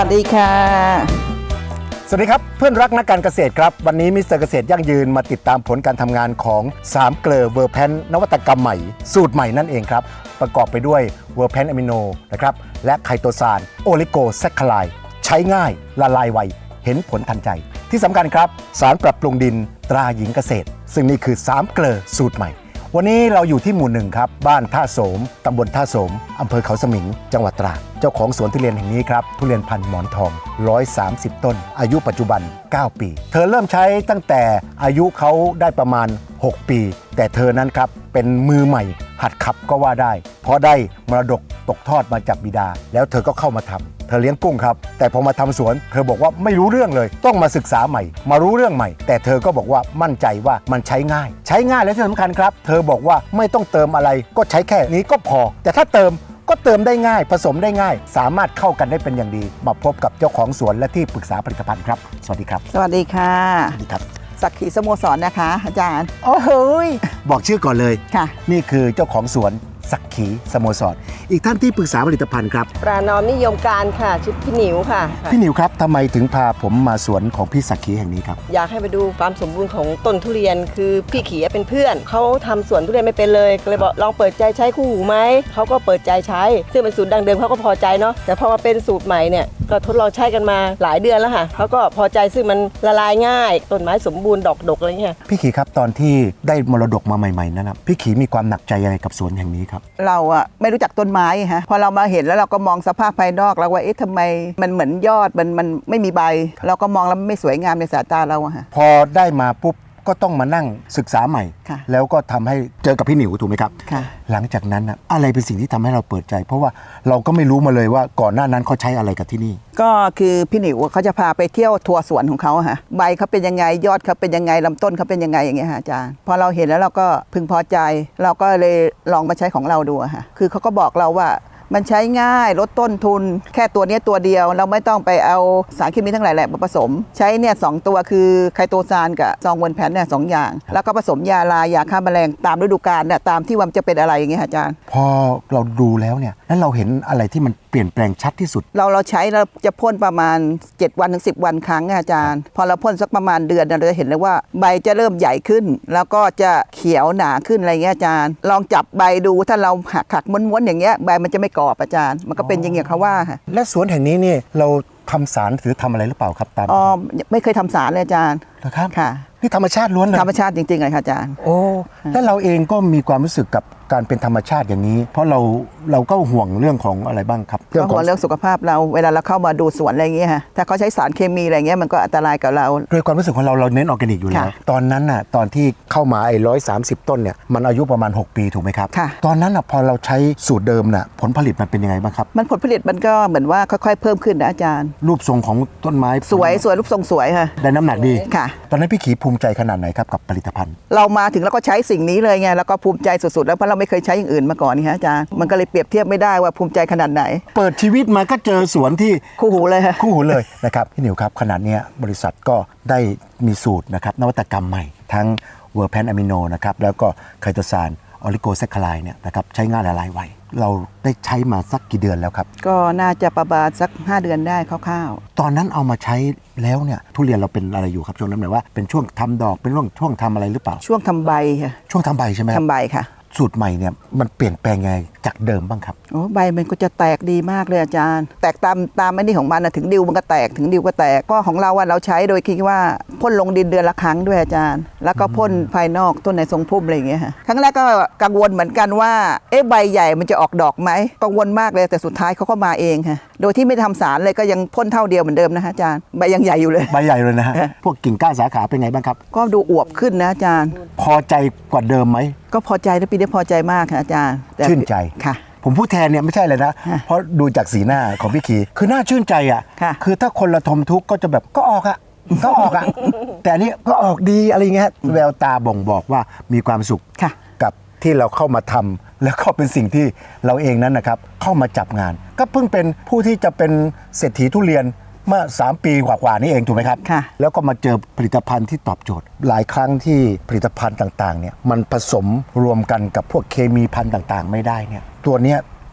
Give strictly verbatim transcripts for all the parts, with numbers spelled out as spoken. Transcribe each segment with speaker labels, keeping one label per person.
Speaker 1: สวัสดีค่ะ
Speaker 2: สวัสดีครับเพื่อนรักนักการเกษตรครับวันนี้มิสเตอร์เกษตรยั่งยืนมาติดตามผลการทำงานของสามเกลอเวอร์แพนนวัตกรรมใหม่สูตรใหม่นั่นเองครับประกอบไปด้วยเวอร์แพนอะมิโนนะครับและไคโตซานโอลิโกแซคคาไลด์ใช้ง่ายละลายไวเห็นผลทันใจที่สำคัญครับสารปรับปรุงดินตราหญิงเกษตรซึ่งนี่คือสามเกลอสูตรใหม่วันนี้เราอยู่ที่หมู่หนึ่งครับบ้านท่าโสมตำบลท่าโสมอำเภอเขาสมิงจังหวัดตราดเจ้าของสวนทุเรียนแห่งนี้ครับทุเรียนพันธุ์หมอนทองหนึ่งร้อยสามสิบต้นอายุปัจจุบันเก้าปีเธอเริ่มใช้ตั้งแต่อายุเขาได้ประมาณหกปีแต่เธอนั้นครับเป็นมือใหม่หัดขับก็ว่าได้เพราะได้มรดกตกทอดมาจากบิดาแล้วเธอก็เข้ามาทำเธอเลี้ยงกุ้งครับแต่พอมาทำสวนเธอบอกว่าไม่รู้เรื่องเลยต้องมาศึกษาใหม่มารู้เรื่องใหม่แต่เธอก็บอกว่ามั่นใจว่ามันใช้ง่ายใช้ง่ายและที่สำคัญครับเธอบอกว่าไม่ต้องเติมอะไรก็ใช้แค่นี้ก็พอแต่ถ้าเติมก็เติมได้ง่ายผสมได้ง่ายสามารถเข้ากันได้เป็นอย่างดีมาพบกับเจ้าของสวนและที่ปรึกษาผลิตภัณฑ์ครับสวัสดีครับ
Speaker 1: สวัสดีค่ะ
Speaker 2: สวัสดีครับ
Speaker 1: สักขีสโมสรนะคะอาจารย์
Speaker 2: โอ้โหบอกชื่อก่อนเลย
Speaker 1: ค่ะ
Speaker 2: นี่คือเจ้าของสวนสักขีสโมสรอีกท่านที่ปรึกษาผลิตภัณฑ์ครับ
Speaker 3: ปรานอมนิยมการค่ะชื่อพี่หนิวค่ะ
Speaker 2: พี่หนิวครับทำไมถึงพาผมมาสวนของพี่สักขีแห่งนี้ครับ
Speaker 3: อยากให้ไปดูความสมบูรณ์ของต้นทุเรียนคือพี่ขีเป็นเพื่อนเขาทำสวนทุเรียนไม่เป็นเลยก็เลยบอกลองเปิดใจใช้คู่หูไหมเขาก็เปิดใจใช้ซึ่งเป็นสูตรดังเดิมเขาก็พอใจเนาะแต่พอมาเป็นสูตรใหม่เนี่ยก็ทดลองใช้กันมาหลายเดือนแล้วค่ะเขาก็พอใจซึ่งมันละลายง่ายต้นไม้สมบูรณ์ดอกดกอะไรเงี้ย
Speaker 2: พี่ขีครับตอนที่ได้มรดกมาใหม่ๆนั้นนะพี่ขีมีความหนักใจยังไงกับสวนแห่งนี้ครับ
Speaker 1: เราอะไม่รู้จักต้นไม้ฮะพอเรามาเห็นแล้วเราก็มองสภาพภายนอกแล้วว่าเอ๊ะทำไมมันเหมือนยอดมันมันไม่มีใบเราก็มองแล้วไม่สวยงามในสายตาเราอะฮะ
Speaker 2: พอได้มาปุ๊บก็ต้องมานั่งศึกษาใหม่แล้วก็ทำให้เจอกับพี่หนิวถูกไหมครับหลังจากนั้นอะไรเป็นสิ่งที่ทำให้เราเปิดใจเพราะว่าเราก็ไม่รู้มาเลยว่าก่อนหน้านั้นเขาใช้อะไรกับที่นี่
Speaker 1: ก็คือพี่หนิวเขาจะพาไปเที่ยวทัวร์สวนของเขาฮะใบเขาเป็นยังไงยอดเขาเป็นยังไงลำต้นเขาเป็นยังไงอย่างเงี้ยฮะอาจารย์พอเราเห็นแล้วเราก็พึงพอใจเราก็เลยลองมาใช้ของเราดูฮะคือเขาก็บอกเราว่ามันใช้ง่ายลดต้นทุนแค่ตัวนี้ตัวเดียวเราไม่ต้องไปเอาสารเคมีทั้งหลายแหละมาผสมใช้เนี่ยสองตัวคือไคโตซานกับซองเวนแพนเนี่ยสองอย่างแล้วก็ผสมยาลายาฆ่าแมลงตามฤดูกาลเนี่ยตามที่ว่าจะเป็นอะไรอย่างเงี้ยอาจารย์
Speaker 2: พอเราดูแล้วเนี่ยแล้วเราเห็นอะไรที่มันเปลี่ยนแปลงชัดที่สุด
Speaker 1: เราเราใช้เราจะพ่นประมาณเจ็ดวันถึงสิบวันครั้งอาจารย์พอเราพ่นสักประมาณเดือนเราจะเห็นเลยว่าใบจะเริ่มใหญ่ขึ้นแล้วก็จะเขียวหนาขึ้นอะไรเงี้ยอาจารย์ลองจับใบดูถ้าเราหักหักม้วนๆอย่างเงี้ยใบมันจะไม่กรอบอาจารย์มันก็เป็นอย่างเงี้ยเขาว่าค่ะ
Speaker 2: และสวนแห่งนี้นี่เราทำสารหรือทำอะไรหรือเปล่าครับตาม
Speaker 1: อ๋อไม่เคยทำสารเลยอาจารย์
Speaker 2: นะครับ
Speaker 1: ค่ะ
Speaker 2: นี่ธรรมชาติล้วนเลย
Speaker 1: ธรรมชาติจริงๆเลยค่ะอาจารย์
Speaker 2: โอ้แล้วเราเองก็มีความรู้สึกกับการเป็นธรรมชาติอย่างนี้เพราะเราเราก็ห่วงเรื่องของอะไรบ้างครับ
Speaker 1: ก็ห่วงเรื่องสุขภาพเราเวลาเราเข้ามาดูสวนอะไรเงี้ยฮะถ้าเขาใช้สารเคมีอะไรเงี้ยมันก็อันตรายกับเรา
Speaker 2: โดยความรู้สึกของเราเราเน้นออร์แกนิกอยู่แล้วตอนนั้นน่ะตอนที่เข้ามาไอ้ร้อยสามสิบต้นเนี่ยมันอายุประมาณหกปีถูกไหมครับตอนนั้นน่ะพอเราใช้สูตรเดิมน่ะผลผลิตมันเป็นยังไงบ้างครับ
Speaker 1: มันผลผลิตมันก็เหมือนว่าค่อยๆเพิ่มขึ้นนะอาจารย์
Speaker 2: รูปทรงของต้นไม้
Speaker 1: สวยสวยรูปทรงสวยค่ะ
Speaker 2: ได้น้ำหนักดี
Speaker 1: ค่ะ
Speaker 2: ตอนนั้นพี่ขีภูมิใจขนาดไหนครับกับผลิตภัณฑ์
Speaker 1: เรามาถึงแล้วก็ใช้สิ่งนี้เลยไงแล้วก็ภูมิใจสุดๆแล้วเพราะเราไม่เคยใช้อย่างอื่นมาก่อนนี่ฮะอาจารย์มันก็เลยเปรียบเทียบไม่ได้ว่าภูมิใจขนาดไหน
Speaker 2: เปิดชีวิตมาก็เจอสวนที่
Speaker 1: คู่หูเลยค่ะ
Speaker 2: คู่หูเลยนะครับพี่หนิวครับขนาดนี้บริษัทก็ได้มีสูตรนะครับนวัตกรรมใหม่ทั้งเวอร์แพนอะมิโนนะครับแล้วก็ไคโตซานออลิโกแซคคาไลด์เนี่ยนะครับใช้ง่ายละลายไวเราได้ใช้มาสักกี่เดือนแล้วครับ
Speaker 1: ก็น่าจะประมาณสักห้าเดือนได้คร่าว
Speaker 2: ๆตอนนั้นเอามาใช้แล้วเนี่ยทุเรียนเราเป็นอะไรอยู่ครับช่วงนั้นหมายว่าเป็นช่วงทำดอกเป็นช่วงช่วงทำอะไรหรือเปล่า
Speaker 1: ช่วงทำใบค่ะ
Speaker 2: ช่วงทำใบใช่ไหม
Speaker 1: ทำใบค่ะ
Speaker 2: สูตรใหม่เนี่ยมันเปลี่ยนแปลงไงจากเดิมบ้างครับ
Speaker 1: โอ้ใบมันก็จะแตกดีมากเลยอาจารย์แตกตามตามไอ้นี่ของมันนะถึงดิวมันก็แตกถึงดิวก็แตกก็ของเราว่าเราใช้โดยคิดว่าพ่นลงดินเดือนละครั้งด้วยอาจารย์แล้วก็พ่นภายนอกต้นในทรงพุ่มอะไรอย่างเงี้ยฮะครั้งแรกก็กังวลเหมือนกันว่าเอ๊ะใบใหญ่มันจะออกดอกไหมกังวลมากเลยแต่สุดท้ายเขาก็มาเองค่ะโดยที่ไม่ทำสารเลยก็ยังพ่นเท่าเดียวเหมือนเดิมนะฮะอาจารย์ใบยังใหญ่อยู่เลย
Speaker 2: ใบใหญ่เลยนะฮะพวกกิ่งก้านสาขาเป็นไงบ้างครับ
Speaker 1: ก็ดูอวบขึ้นนะอาจารย์
Speaker 2: พอใจกว่าเดิมไหม
Speaker 1: ก็พอใจแล้วปีนี้พอใจมากค่ะอาจารย์
Speaker 2: ชื่นใจ
Speaker 1: ค่ะ
Speaker 2: ผมพูดแทนเนี่ยไม่ใช่เลยนะเพราะดูจากสีหน้าของพี่ขีคือน่าชื่นใจอ่ะคือถ้าคนละทมทุกข์ก็จะแบบก็ออกอ่ะก็ออกอ่ะแต่อันนี้ก็ออกดีอะไรเงี้ยแววตาบ่งบอกว่ามีความสุขกับที่เราเข้ามาทำแล้วก็เป็นสิ่งที่เราเองนั้นนะครับเข้ามาจับงานก็เพิ่งเป็นผู้ที่จะเป็นเศรษฐีทุเรียนเมื่อสามปีกว่าๆนี่เองถูกไหมครับแล้วก็มาเจอผลิตภัณฑ์ที่ตอบโจทย์หลายครั้งที่ผลิตภัณฑ์ต่างๆเนี่ยมันผสมรวมกันกับพวกเคมีพันธุ์ต่างๆไม่ได้เนี่ยตัวเนี้ย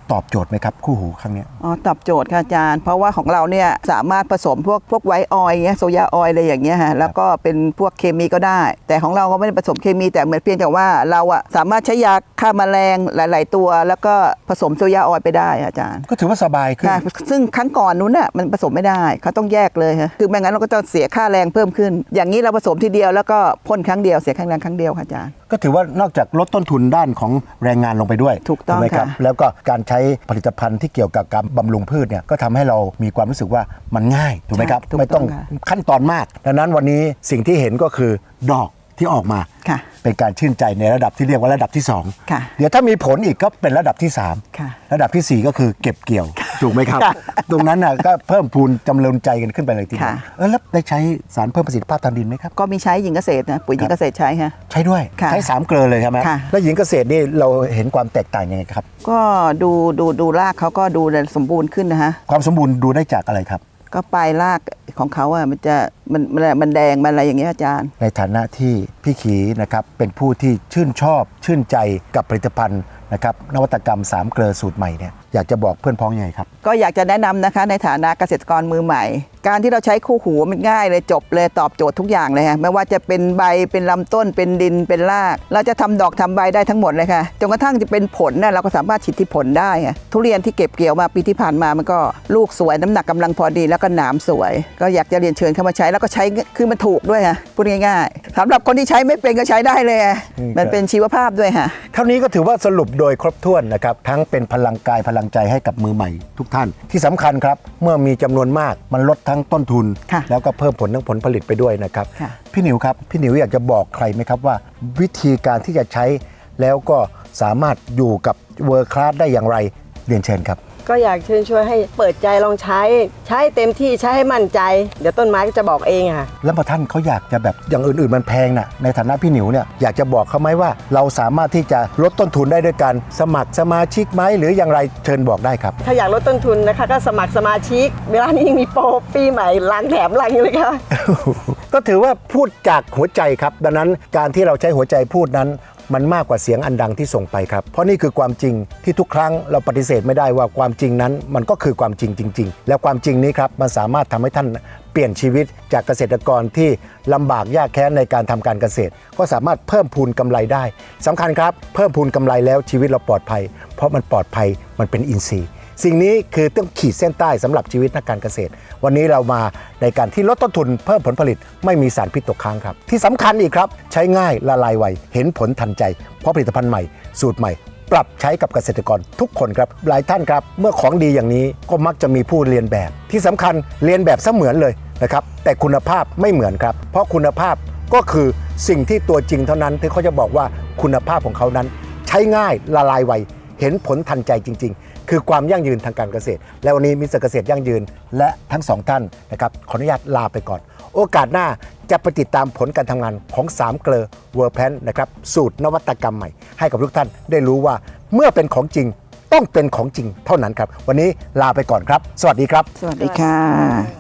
Speaker 2: ตอบโจทย์ไหมครับคู่หูครั้งเนี้ย
Speaker 1: อ๋อตอบโจทย์ค่ะอาจารย์เพราะว่าของเราเนี่ยสามารถผสมพวกพวกไวท์ออยล์เงี้ยโซยาออยล์อะไรอย่างเงี้ยฮะแล้วก็เป็นพวกเคมีก็ได้ แต่ของเราก็ไม่ได้ผสมเคมีแต่เหมือนเพียงแต่ว่าเราอะสามารถใช้ยาฆ่าแมลงหลาย ๆ ตัว แล้วก็ผสมโซยาออยล์ไปได้อาจารย์
Speaker 2: ก็ถือว่าสบายขึ้น
Speaker 1: ค่ะซึ่งครั้งก่อนนู้นน่ะมันผสมไม่ได้เขาต้องแยกเลยฮะคือไม่งั้นเราก็จะเสียค่าแรงเพิ่มขึ้น อย่างนี้เราผสมทีเดียวแล้วก็พ่นครั้งเดียวเสียค่าแรงครั้งเดียวค่ะอาจารย์
Speaker 2: ก็ถือว่านอกจากลดต้นทุนด้านของแรงงานลงไปด้วย
Speaker 1: ถูกต้อง
Speaker 2: ไหมครับ
Speaker 1: ค่ะ
Speaker 2: แล้วก็การใช้ผลิตภัณฑ์ที่เกี่ยวกับการบำรุงพืชเนี่ยก็ทำให้เรามีความรู้สึกว่ามันง่ายถูกไหมครับ
Speaker 1: ถูก
Speaker 2: ไม่ต้อง
Speaker 1: ค่ะ
Speaker 2: ขั้นตอนมากดังนั้นวันนี้สิ่งที่เห็นก็คือดอกที่ออกมา
Speaker 1: ค่ะ
Speaker 2: เป็นการชื่นใจในระดับที่เรียกว่าระดับที่สอง
Speaker 1: ค่ะ
Speaker 2: เดี๋ยวถ้ามีผลอีกก็เป็นระดับที่สาม
Speaker 1: ค่ะ
Speaker 2: ระดับที่สี่ก็คือเก็บเกี่ยวถูกไหมครับ
Speaker 1: ค่ะ
Speaker 2: ตรงนั้นน่ะก็เพิ่มพูนจำเริญใจกันขึ้นไปเลยทีเดียว
Speaker 1: ค่ะ
Speaker 2: เออแล้วได้ใช้สารเพิ่มประสิทธิภาพทางดินไหมครับ
Speaker 1: ก็มีใช้หญิงเกษตรนะปุ๋ยหญิงเกษตรใช้ฮะ
Speaker 2: ใช้ด้วย
Speaker 1: ค่ะ
Speaker 2: ใช้สามเกลือเลยใช่ไหม
Speaker 1: ค่ะ
Speaker 2: แล้วหญิงเกษตรนี่เราเห็นความแตกต่างยังไงครับ
Speaker 1: ก็ดูดูดูรากเขาก็ดูสมบูรณ์ขึ้นนะฮะ
Speaker 2: ความสมบูรณ์ดูได้จากอะไรครับ
Speaker 1: ก็ปลายรากของเขาอ่ะมันจะมันมันมันแดงมันอะไรอย่างเงี้ยอาจารย์
Speaker 2: ในฐานะที่พี่ขีนะครับเป็นผู้ที่ชื่นชอบ ชื่นใจกับผลิตภัณฑ์นะครับนวัตกรรมสามเกลือสูตรใหม่เนี่ยอยากจะบอกเพื่อนพ้องยังไงครับ
Speaker 1: ก็อยากจะแนะนำนะคะในฐานะเกษตรกรมือใหม่ การที่เราใช้คู่หูมันง่ายเลยจบเลยตอบโจทย์ทุกอย่างเลยค่ะไม่ว่าจะเป็นใบเป็นลำต้นเป็นดินเป็นราก เราจะทำดอกทำใบได้ทั้งหมดเลยค่ะจนกระทั่งจะเป็นผลน่ะเราก็สามารถฉีดที่ผลได้ค่ะทุเรียนที่เก็บเกี่ยวมาปีที่ผ่านมามันก็ลูกสวยน้ำหนักกำลังพอดีแล้วก็หนามสวย ก็อยากจะเรียนเชิญเข้ามาใช้แล้วก็ใช้คือมันถูกด้วยค่ะพูดง่ายๆสำหรับคนที่ใช้ไม่เป็นก็ใช้ได้เลยค่ะ
Speaker 2: อืม
Speaker 1: มันเป็นชีวภาพด้วยค่ะ
Speaker 2: เท่านี้ก็ถือว่าสรุปโดยครบถ้วนนะครับทั้งเป็นพลังกายพลังใจให้กับมือใหม่ทุกท่าน ที่สำคัญครับเมื่อมีจำนวนมากมันลดทั้งต้นทุน
Speaker 1: ค่ะ
Speaker 2: แล้วก็เพิ่มผลทั้งผลผลิตไปด้วยนะครับ
Speaker 1: ค่ะ
Speaker 2: พี่หนิวครับพี่หนิวอยากจะบอกใครไหมครับว่า วิธีการที่จะใช้แล้วก็สามารถอยู่กับเวอร์คลาสได้อย่างไรเรียนเชิญครับ
Speaker 3: ก็อยากเชิญชวนให้เปิดใจลองใช้ ใช้เต็มที่ใช้ให้มั่นใจ เดี๋ยวต้นไม้ก็จะบอกเองอะค่ะ
Speaker 2: แล้วพอท่านเขาอยากจะแบบอย่างอื่นๆมันแพงนะในฐานะพี่หนิวเนี่ยอยากจะบอกเขาไหมว่าเราสามารถที่จะลดต้นทุนได้ด้วยการสมัครสมาชิกไหมหรืออย่างไรเชิญบอกได้ครับ
Speaker 3: ถ้าอยากลดต้นทุนนะคะก็สมัครสมาชิก เวลานี้ยังมีโปรปีใหม่ล้างแถมล้างอยู่เลยค่ะ
Speaker 2: ก็ถือว่าพูดจากหัวใจครับดังนั้นการที่เราใช้หัวใจพูดนั้นมันมากกว่าเสียงอันดังที่ส่งไปครับเพราะนี่คือความจริงที่ทุกครั้งเราปฏิเสธไม่ได้ว่าความจริงนั้นมันก็คือความจริงจริง ๆ และความจริงนี้ครับมันสามารถทำให้ท่านเปลี่ยนชีวิตจากเกษตรกรที่ลำบากยากแค้นในการทำการเกษตร ก็สามารถเพิ่มพูนกำไรได้สำคัญครับเพิ่มพูนกำไรแล้วชีวิตเราปลอดภัย เพราะมันปลอดภัยมันเป็นอินทรีย์สิ่งนี้คือต้องขีดเส้นใต้สำหรับชีวิตนักการเกษตร วันนี้เรามาในการที่ลดต้นทุนเพิ่มผลผลิตไม่มีสารพิษตกค้างครับที่สำคัญอีกครับใช้ง่ายละลายไวเห็นผลทันใจเพราะผลิตภัณฑ์ใหม่สูตรใหม่ ปรับใช้กับเกษตรกรทุกคนครับหลายท่านครับเมื่อของดีอย่างนี้ก็มักจะมีผู้เรียนแบบที่สำคัญเรียนแบบเสมือนเลยนะครับแต่คุณภาพไม่เหมือนครับเพราะคุณภาพก็คือสิ่งที่ตัวจริงเท่านั้นที่เขาจะบอกว่าคุณภาพของเขานั้น ใช้ง่ายละลายไวเห็นผลทันใจจริง ๆ คือความยั่งยืนทางการเกษตร และวันนี้มิสเตอร์เกษตรยั่งยืนและทั้งสองท่านนะครับขออนุญาตลาไปก่อน โอกาสหน้าจะไปติดตามผลการทำงานของสามเกลอเวอร์แพนนะครับสูตรนวัตกรรมใหม่ ให้กับทุกท่านได้รู้ว่าเมื่อเป็นของจริงต้องเป็นของจริงเท่านั้นครับ วันนี้ลาไปก่อนครับ สวัสดีครับ
Speaker 1: สวัสดีค่ะ